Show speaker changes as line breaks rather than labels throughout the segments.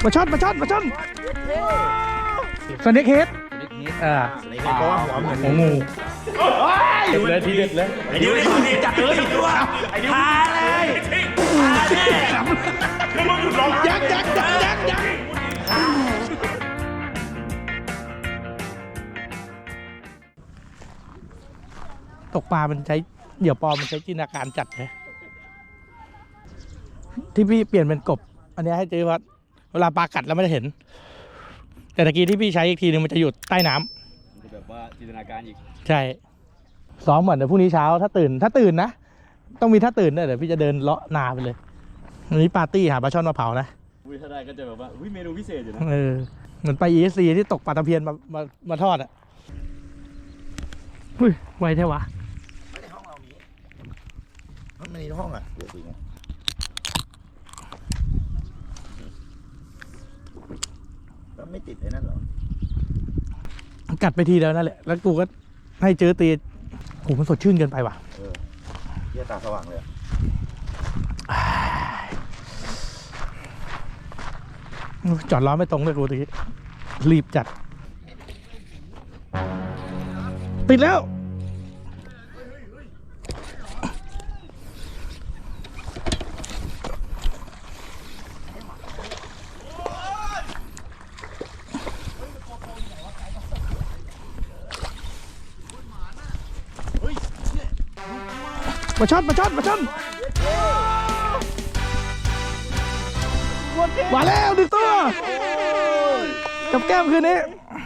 มาช็อตสเน็กเฮด
เพราะว่าหัวเหมือน
หัวงูเด็ดเลยทีเด็ดเลย
ไอ้ดิวนี่ดีจัดเลยตัวไอ้ดิวพาเลยพาเลยแล้วมึงหยุดร้องยัก
ตกปลามันใช้เหยื่อปลอมมันใช้จินตนาการจัดเลยที่พี่เปลี่ยนเป็นกบอันนี้ให้เจอว่าเวลาปลากัดแล้วไม่ได้เห็นแต่ตะกี้ที่พี่ใช้อีกทีนึงมันจะอยู่ใต้น้ำ
แบบว่าจินตนาการอีก
ใช่ซ้อมเหมือนเดี๋ยวพรุ่งนี้เช้าถ้าตื่นนะต้องมีถ้าตื่นด้วยเดี๋ยวพี่จะเดินเลาะนาไปเลยวันนี้ปาร์ตี้หาปลาช่อนมาเผานะ
ถ้าได้ก็จะแบบว่าเมนูพิเศษอยู่นะ
เหมือนไป ESC ที่ตกปลาตะเพียนมาทอดอ่ะไวแท้วะ
ไม่ในห้องเรานี้มันในห้องอ่ะเดี๋ยวสิไงก็ไม่ติดไอ้นั่นหรอ
กัดไปทีแล้วนั่นแหละแล้วกูก็ให้เจอตีโหมันสดชื่นเกินไปว่ะ
เยี่ยตาสว่างเลย
จอดล้อไม่ตรงเลยกูตะกี้รีบจัดติดแล้วมาช็อตมาแล้วดึงตัวกับแก้มคืนนี้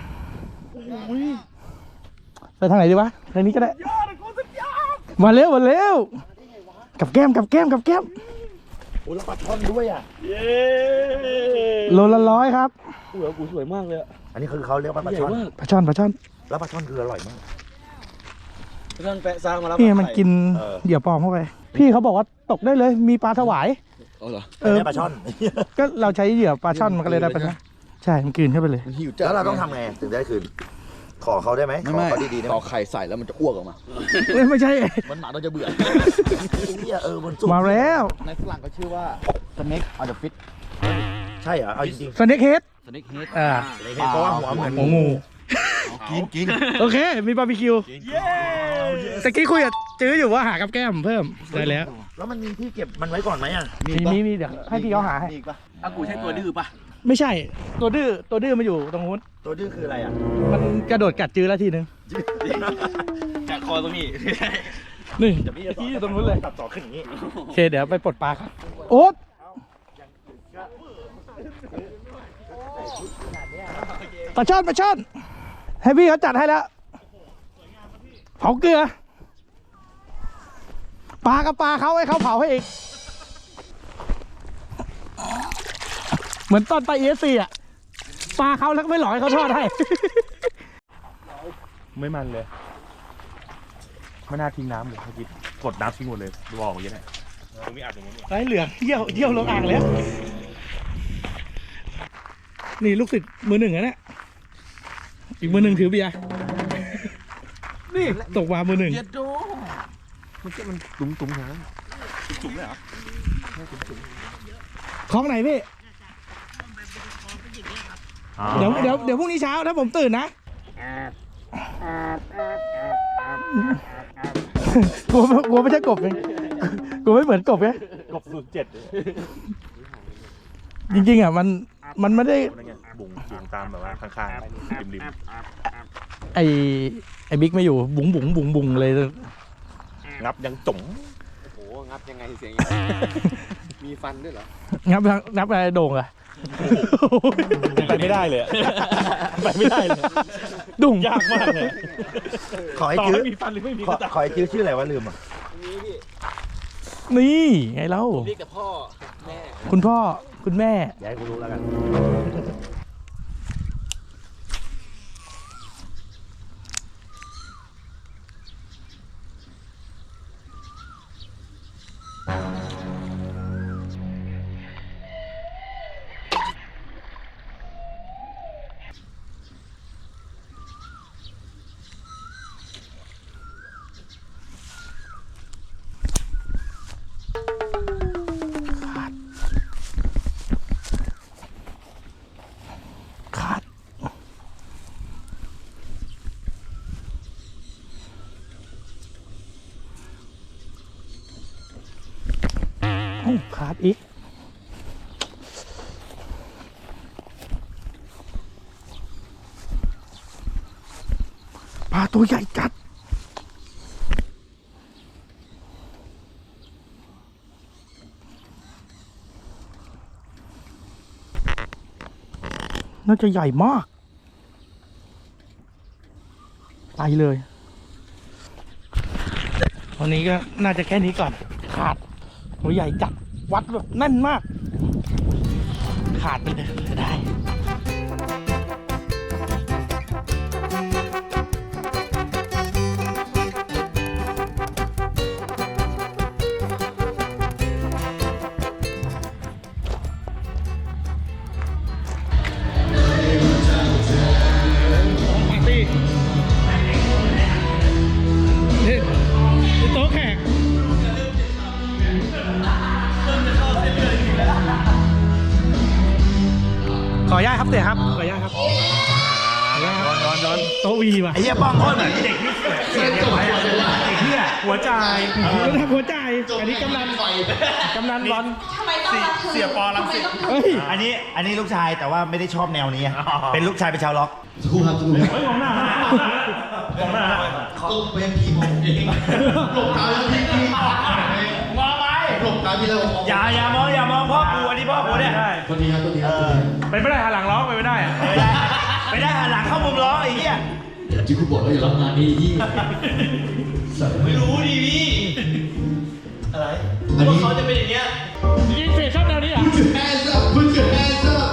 ไปทางไหนดีวะทางนี้ก็ได้มาเร็วกับแก้ม
โอ้แล้วปลาช่อนด้วยอ่ะ
โลละ100ครับ
หัวกูสวยมากเลย
อันนี้คือเขาเรียกว่าปลาช่อน
ปลาช่อน
แล้วปลาช่อนคืออร่อยมาก
ท่านแปะสร้างมาแล้ว
นี่มันกินเหยื่อปลอมเข้าไปพี่เขาบอกว่าตกได้เลยมีปลาถวาย
เหรอ
ปลาช่อน
ก็เราใช้เหยื่อปลาช่อนมันก็เลยได้ปลาช่อนใช่มันกินเข้าไปเลย
แล้วเราต้องทำไงถึงได้คืนขอเขาได้ไหมขอเขาดีๆได้ไหม
ต่อไข่ใส่แล้วมันจะอ้วกออกมา
ไม่ใช่
มันหมาต้องจะเบื่อ
มัน
มาแล้ว
ในฝรั่งก็ชื่อว่า snake on the fish
ใช่เหรอเอาจริง
สเน็กเฮด
เพราะว่าหัวเหมือน
หัวงู
กิน
โอเคมีบาร์บีคิวตะกี้คุยกับจื้ออยู่ว่าหากับแก้มเพิ่มได้แล้ว
มันมีที่เก็บมันไว้ก่อนไหมอ่ะ
มีเดี๋ยวให้พี่เขาหาให้
อากูใช่ตัวดื้อปะ
ไม่ใช่ตัวดื้อมาอยู่ตรงนู้น
ตัวดื้อคืออะไรอ่ะ
มันกระโดดกัดจื้อแล้วทีนึง
จากคอตรงนี้
นี่ที่อยู่ตรงนู้นเลย
ตัดต่อขึ้นอย่างนี้
โอเคเดี๋ยวไปปลดปลาครับโอ๊ตปลาช่อนให้พี่เขาจัดให้แล้วเผาเกลือปลากับปลาเขาให้เขาเผาให้อีกเหมือนตอนไป ESC อ่ะปลาเขาแล้วก็ไม่หลอยเขาทอดให้
ไม่มันเลยไม่น่าทิ้งน้ำเลยเมื่อกี้กดน้ำทิ้งหมดเลยบอกอย่างนี้แหละตรงนี้อาบตรงนี้
ไอ้เหลืองเยี่ยวลงอ่างแล้วนี่ลูกศิษย์มือหนึ่งนะเนี่ยอีกมือหนึ่งถือเบียร์นี่ตกวามือหนึ่ง
มันตุ้มนะจุ่มเลยเหรอ
คล้องไหนพี่เดี๋ยวพรุ่งนี้เช้าถ้าผมตื่นนะกลัวไม่ใช่กบเลยกลัวไม่เหมือนกบไง
กบ07
จริงๆอ่ะมันไม่ได้
บุ๋งเสียงตามแบบว่าข้างๆริม
ไอ้บิ๊กไม่อยู่บุ๋งเลย
งับยังจุ๋ม
โอ้โหงับยังไงเสียงมีฟันด้วยเหรอ
งับอะไรโด่งอะ
ไปไม่ได้เลยไปไม่ได้เลย
ดุ่ง
ยากมากเลย
ขอให้จื้อมีฟันหรือไม่มีขอให้จื้อชื่ออะไรวะลืมอ่ะ
นี่ไงเล่า
เรียกแต่พ่อแม่
คุณพ่อคุณแม่
อย่าให้กูรู้แล้วกัน
ขาดอีกปลาตัวใหญ่จัดน่าจะใหญ่มากไปเลยวันนี้ก็น่าจะแค่นี้ก่อนขาดตัวใหญ่จัดวัดแบบแน่นมากขาดไปเลยได้โต๊ะแขกขออนุญาตครับเตี๋ยครับขออนุญาตครับโต๊ะวีว่ะ
ไอ้เหี้ยป้องโคตรเหมือนเด็กนี่เสียเนี่ยไปอ่ะไอ้เหี้ยหัวใจ
หัวใจอันนี้กำนันบอล
เสียปอลังสิต
เฮ้ย
อันนี้ลูกชายแต่ว่าไม่ได้ชอบแนวนี้ เป็นลูกชายเป็นชาวล็อก
เฮ้ยมองหน้ามองหน้า
ต้องเป็นผีมองเองหลบตาแล้วพี่
มองไป
หลบตาพี่แล้ว
อย่ามองพ่อกูอันนี้พ่อกูเนี่ย
ตัวนี้ครับตัวนี้ครับ
เป็นไม่ได้หันหลังร้องไปไม่ได้อะ
ไม่ได้หันหลังเข้ามุมล้อไอ้เหี้ย
ที่คุณบอกว่าอย่ารับงานนี้ยี่ไม่รู้ดิพี่อะไรอันนี้เขาจะเป็นอย่างเงี้ย
ยิงเฟสชอบแนวนี้เหรอ
hands up put your hands up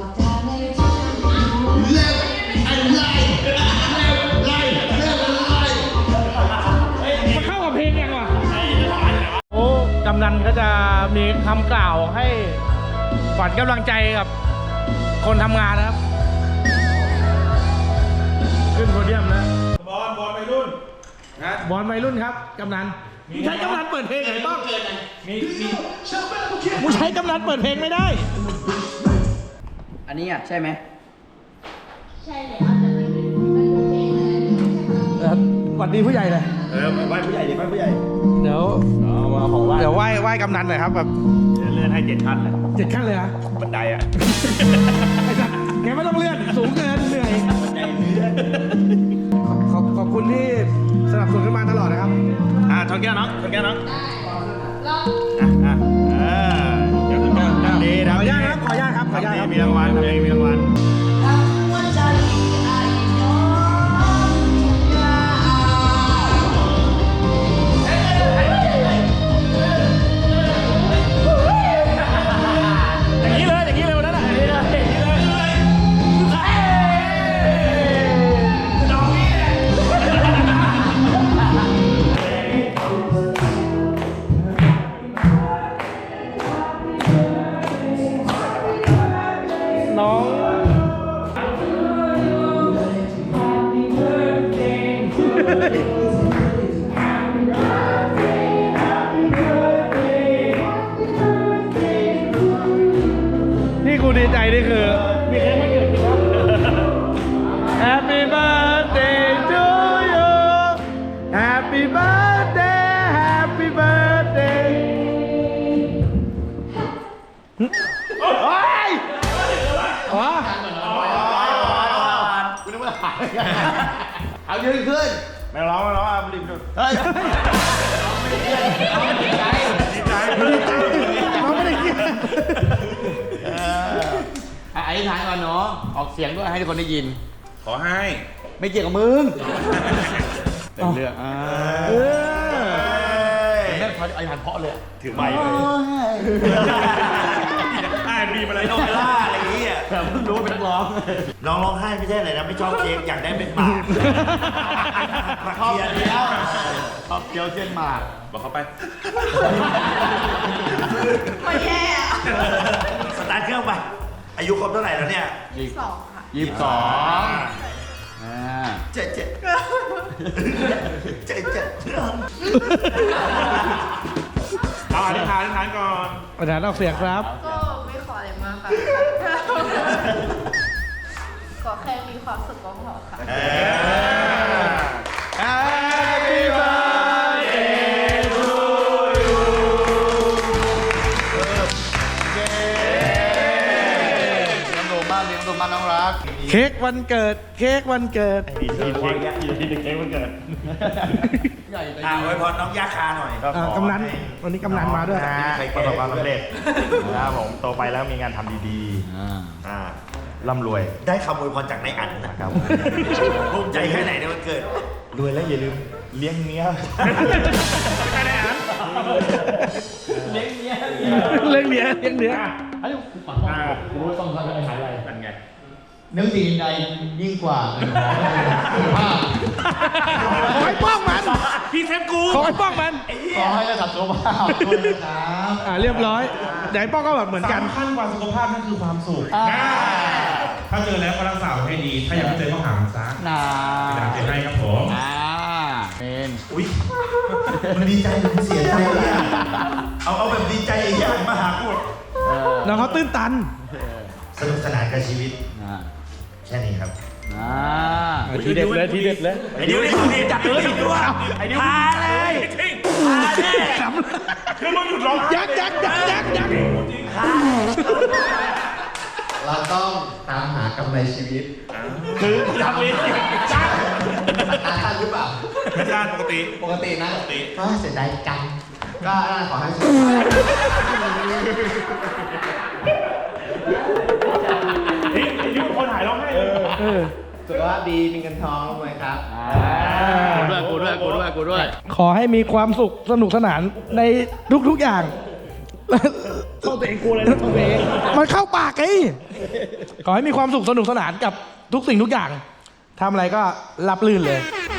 left and right left and right
มาเข้ากับเพลงยังวะโอ้กำนันก็จะมีคำกล่าวให้ขวัญกำลังใจกับคนทำงานนะครับ ขึ้นโพเดียมนะบอลวัยรุ่นครับกำนันมึงใช้กำนันเปิดเพลงไหนบ้างมึงใช้กำนันเปิดเพลงไม่ได้
อันนี้อ่ะใช่ไหม
ใช่เลยแต่ไม่เป็นเพลงอะไรไม่ใช่ค่ะ
สวัสดีผู้ใหญ่เลย
ไหว้ผู้ใหญ่ดิไหว้ผู้ใหญ่
เดี๋ยวเดี๋ยวไหว้กำนันหน่อยครับแบบ
เลื่อนให้7 ขั้นเลย
7 ขั้นเลยนะ
บันไดอ่ะ
ไอ้สัสแกไม่ต้องเลื่อนสูงเกินเหนื่อยขอบคุณที่สนับสนุนกันมาตลอดนะครับ
ชนแก้วน้องชนแก้วน้อง
ลอง
เดี๋ยวชนแก้วดี
ขออนุญาตครับขออนุญาตครับขออนุญาตครับ
มีรางวัลทำเองมีรางวัล
หัวใจไอ้น้องทุกอย่าง
อย่างนี้เลยวันนั้นอ่ะอย่างนี้เลยน้องที่กูดีใจนี่คือมีแค่ไม่เกิดขึ้นครับ Happy birthday to you Happy birthday Happy birthday โอ้ยอ๋อ
เอายืนขึ้น
ไม่ร้องอ่ะรีบจุด
เฮ้ย
ดีใจ
น้องไม่ได้คิด
อธิษฐานก่อนเนาะออกเสียงด้วยให้ทุกคนได้ยิน
ขอให้
ไม่เกี่ยวกับมึง
เต็มเรื่อง
แม่อธิษฐานเพราะเลย
ถือไมค์เลยมีอะไร
โนเวล่าอะไรอย่างเงี้ย
แต่เพิ่งรู้ว่าเป็นนักร้อง
น้องร้องไห้ไม่ใช่อะไรนะไม่ชอบเค้กอยากได้เป็นหมาก
ชอบเคี้ยวชอบเคี้ยวเส้นหมาก
บอกเขาไป
ไม่แย่อะ
สตาร์ทเครื่องไปอายุครบเท่าไหร่แล้วเนี่ย
2 ค่ะ
22
เจ็ด
เอาอธิษฐานก่อน
ประธานออกเสียงครับ
ก็ไม่ขออะไรมากค่ะ ขอแค่มีความสุขก็พอค่ะ
Happy birthday to you
มากน้องรัก
เค้กวันเกิด เค้กวันเกิด
อีเค้กมันเกิด
อวยพรน้องย่าคาหน่อย
กำนันวันนี้กำนันมาด้วย
ประสบความสำเร็จนะครับผมโตไปแล้วมีงานทำดีๆร่ำรวย
ได้คำอวยพรจากนายอันนะครับภูมิใจแค่ไหนในวันเกิด
รวยแล้วอย่าลืมเลี้ยงเมีย
เลี้ยงเนื้อเลี้ยงเนื้อ
อันนี้กูฝันว่ากูรู้ต้องทำอะไรหายอะไร
นั่นไง
นึกสิ่งใดยิ่งกว่าเงินทองสุขภาพ
ขอให้ป้องมัน
พี่เซฟกู
ขอให้ป้องมัน
ขอให้ระดับสุขภาพด้วยนะครับ
เรียบร้อยเดี๋ยวไอ้ป้องก็แบบเหมือนกัน
สำคัญกว่าสุขภาพนั่นคือความสุขถ้าเจอแล้วก็รักษาไว้ให้ดี ถ้ายังไม่เจอก็หามันซะ
น่า
ตามเจอให้ครับผม
เป็น
อุ้ยมันดีใจหรือมันเสียใจเนี่ยเอาแบบดีใจอย่างมาหากู
น้องเขาตื้นตัน
สนุกสนานกับชีวิต แค่นี้ครับ
ทีเด็ดเลยทีเด็ดเลย
ไอ้ดิวนี่สุดดีจัดเลยด้วยไอ้ดิวพาเลยพาแน่คือมึงหยุดร้อง
ยักยัก
เราต้องตามหากำไรชีวิต
คือทำเองจ้า
ตาท่านหรือเปล่า
ไม่จ้าปกติ
ปกตินะก็เสียดายจังก็ขอให้สุขภาพ
ไอ้ดิวคนหายร้องไห้เลย
สุขภาพดีมีเงินทองรวยครับ
กูด้วย
ขอให้มีความสุขสนุกสนานในทุกๆอย่างเข้าตัวเองกูเลยนะตัวเองมันเข้าปากไงขอให้มีความสุขสนุกสนานกับทุกสิ่งทุกอย่างทำอะไรก็รับลื่นเลย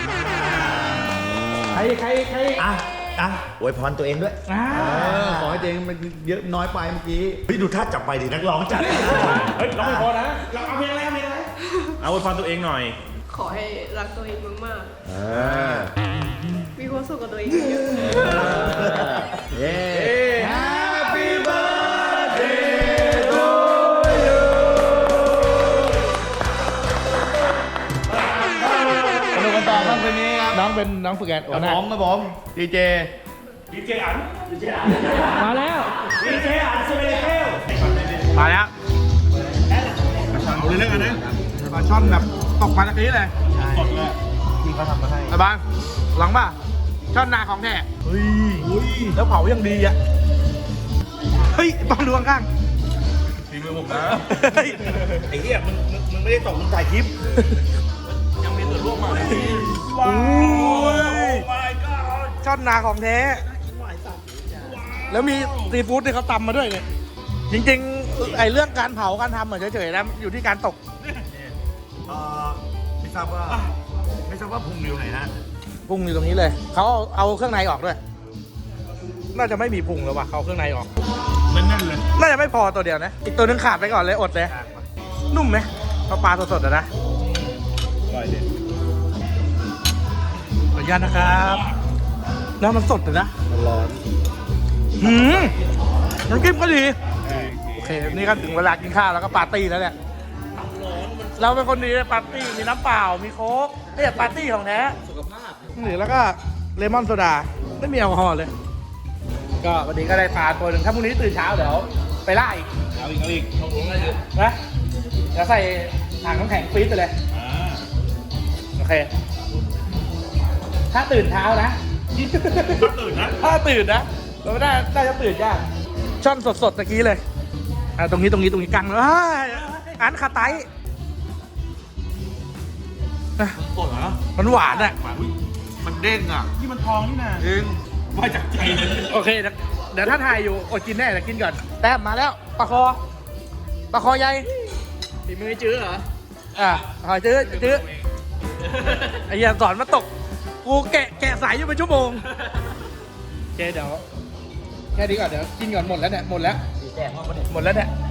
ใคร
อ่ะอวยพรตัวเองด้วย
ขอให้ตัวเองมันเยอะน้อยไปเมื่อกี้
เฮ้ยดูท่าจับไปดินักร้องจัด
เฮ้ยร้องไม่พอนะเราเอาเพลงอะไรเอาอวยพรตัวเองหน่อย
ขอให้รักตัวเองมากๆมีความสุขกับตัวเองเยอะๆ
Happy birthday to you
สนุกกันต่อครับคืนนี้ครับ
น้องเป็นน้องฝึกงานโอ้
กับ
นะ
ผมครับผมดีเจ
ดีเจอัน
มาแล้ว
ดีเจอันสเปนเทล
มาแล้ว
เอาเรื่องกันนะ
ปลาช่อนแบบตกมาตะกี้เลย
สดเลย
ที่เขาทำมาให้
ไอ้บางหลังป่ะช่อนนาของแท้เฮ้ยแล้วเผายังดีอ่ะเฮ้ยบางดูข้าง
ฝีมือผมนะ
ๆเฮ้ย
ไอ้เหี้ยมึงไม่ได้ตกมึงถ่ายคลิป
ยังมีส่วนร่วมมาเลย
โอ้ยช่อนนาของแท้แล้วมีซีฟู้ดที่เขาตำมาด้วยเนี่ยจริงๆไอ้เรื่องการเผาการทำเหมือนเฉยๆนะอยู่ที่การตก
ไม่ทราบว่าพุงอยู่ไหนฮะ
พุงอยู่ตรงนี้เลยเขาเอาเครื่องในออกด้วย น่าจะไม่มีพุงแล้วว่ะเขาเอาเครื่องในออก
นั่นเลย
น่าจะไม่พอตัวเดียวนะ อีกตัวนึงขาดไปก่อนเลยอดเลย นุ่มไหมปลาสดๆอะนะ
อร่อยดิ
ขออนุญาตนะครับแล้วมันสดเลยนะร้อนน้ำจิ้มก็ดี โอเค นี่ก็ถึงเวลากินข้าวแล้วก็ปาร์ตี้แล้วเนี่ย เราเป็นคนดีปาร์ตี้ มีน้ำเปล่า มีโค้กเนี่ยปาร์ตี้ของแท้สุขภาพหรือแล้วก็เลมอนโซดา ไม่มีแอลกอฮอล์เลย ก็วันนี้ก็ได้ปลาตัวหนึ่งถ้าพรุ่งนี้ตื่นเช้าเดี๋ยวไปล่าอีก
เอาอีก
นะเดี๋ยวใส่ถังน้ำแข็งฟรีซไปเลย โอเค ถ้าตื่นเช้านะ ถ้าตื่นนะเราไม่ได้จะตื่นยากช่อนสดๆตะกี้เลยตรงนี้กังเลยอันคาไตสดเหรอมันหวานอ่ะ
มันเด้งอ่ะที่มันทองนี่นะเด้งว่าจากใจเลย
โอเคเดี๋ยวถ้าถ่ายอยู่อดกินแน่แต่กินก่อนแต้มมาแล้วปลาคอใหญ่
ฝีมือจื้อเหรอ
หอยจื้อไอ้เหี้ยสอนมาตกกูแกะสายอยู่เป็นชั่วโมงโอเคเดี๋ยวแค่นี้ก่อนเดี๋ยวกินก่อนหมดแล้วเนี่ยหมดแล้วเนี่ย